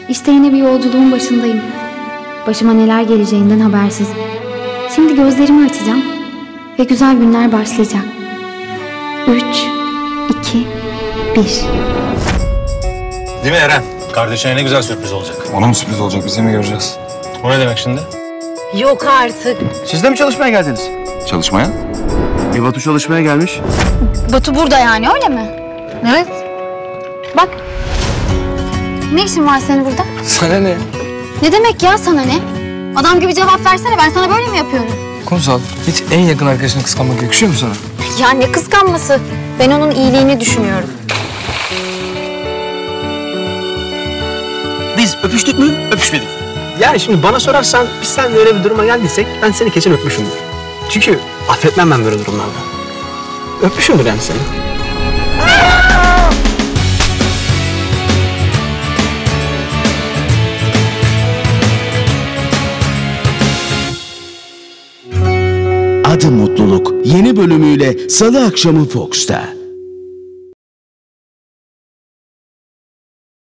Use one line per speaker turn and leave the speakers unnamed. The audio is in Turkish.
İşte yine bir yolculuğun başındayım. Başıma neler geleceğinden habersizim. Şimdi gözlerimi açacağım ve güzel günler başlayacak. 3, 2, 1.
Değil mi Eren? Kardeşine ne güzel sürpriz olacak.
Ona mı sürpriz olacak? Biz de mi göreceğiz?
O ne demek şimdi?
Yok artık.
Siz de mi çalışmaya geldiniz?
Çalışmaya?
Batu çalışmaya gelmiş.
Batu burada yani, öyle mi?
Evet.
Bak. Ne işin var senin burada?
Sana ne?
Ne demek ya sana ne? Adam gibi cevap versene, ben sana böyle mi yapıyorum?
Kumsal, hiç en yakın arkadaşını kıskanmak yakışıyor mu sana?
Ya ne kıskanması? Ben onun iyiliğini düşünüyorum.
Biz öpüştük mü? Öpüşmedik. Yani şimdi bana sorarsan biz seninle öyle bir duruma geldiysek ben seni kesin öpmüşümdür. Çünkü affetmem ben böyle durumlarda. Öpmüşümdür yani seni.
Adı Mutluluk yeni bölümüyle Salı akşamı Fox'ta.